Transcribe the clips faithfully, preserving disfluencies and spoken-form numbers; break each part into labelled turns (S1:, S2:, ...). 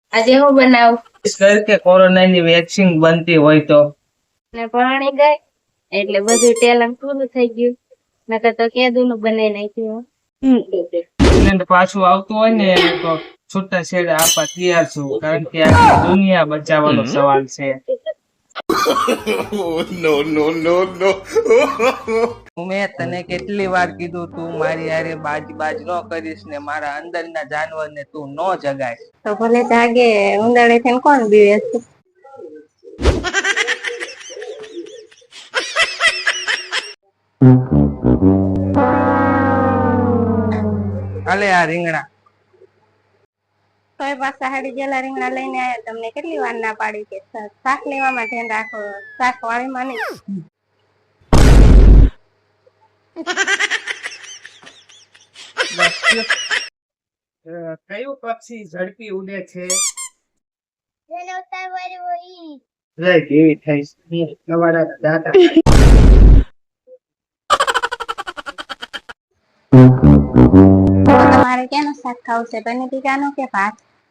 S1: આજે હું બનાવું
S2: કર કે કોરોનાની વેક્સિન બનતી હોય તો
S1: ને પરણી ગઈ એટલે બધું ટેલેન્ટ પૂરું થઈ ગયું. નકર તો કેદું નું બનાવી નાખ્યું.
S2: એને પાછું આવતું હોય ને તો છૂટા છેડા આપવા તૈયાર છું, કારણ કે આખી દુનિયા બચાવવાનો સવાલ છે.
S3: નો નો નો નો
S2: મેં તને કેટલી વાર કીધું તું મારી હારે બાજ બાજ ન કરીશ ને મારા અંદરના જાનવર ને તું ન જગાઈશ.
S1: તો ભલે જાગે, ઉંદરડે થઈને કોણ બીવે છે?
S2: હાલે આ રીંગણા.
S1: તોય પાછા હાડી ગયેલા રીંગણા લઈને આયા. તમને કેટલી વાર ના પાડી કે શાક લેવામાં ધ્યાન રાખો, શાક વાળીમાં નહીં.
S2: કયું પક્ષી ઝડપી ઉડે છે?
S1: તમારે ક્યાંનું શાક ખાવું છે? પનીર ટીકાનું કે ભાત?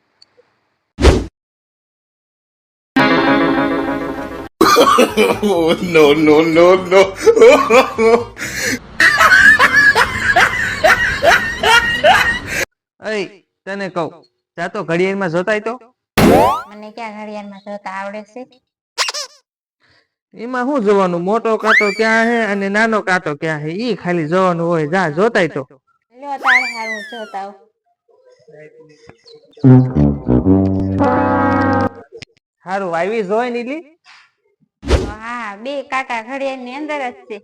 S3: નો નો નો નો
S2: તને કહું, જા તો ઘડિયાળમાં જોતાય તો.
S1: મને ક્યાં ઘડિયાળમાં જોતા આવડે છે?
S2: એમાં શું જોવાનું? મોટો કાંટો ક્યાં હે અને નાનો કાંટો ક્યાં હે ઈ ખાલી જોવાનું હોય. જા જોતાય તો.
S1: લ્યો તારે હારું જોતા આવ.
S2: હારું આવી જોઈ નીલી.
S1: હા, બે કાકા ઘડિયાળ ની અંદર જ છે.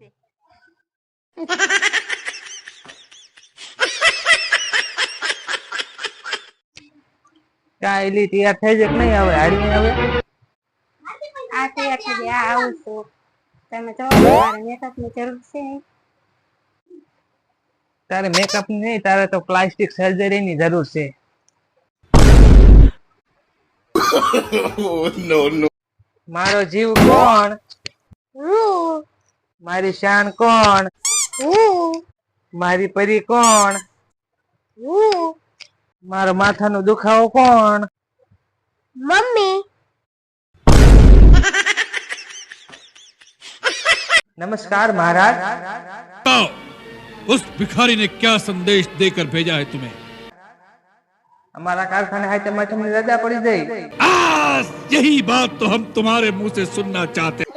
S2: કા એલી તૈયાર થઈ જાય કે નહીં? આવે હાડી આવે.
S1: આ તૈયાર થઈ ગયા, આ આવું છું. તમે જો તમારે મેકઅપ ની જરૂર છે?
S2: તારે મેકઅપ ની નહીં, તારે તો પ્લાસ્ટિક સર્જરી ની જરૂર છે.
S3: નો નો
S2: મારો જીવ કોણ? મારી શાન કોણ? મારી પરી કોણ? મારો માથાનો દુખાવો કોણ?
S1: મમ્મી.
S2: नमस्कार महाराज।
S4: उस भिखारी ने क्या संदेश देकर भेजा है तुम्हें?
S2: हमारा कारखाना है तो मैं तुम्हें रजा पड़ी गई।
S4: आज यही बात तो हम तुम्हारे मुंह से सुनना चाहते हैं।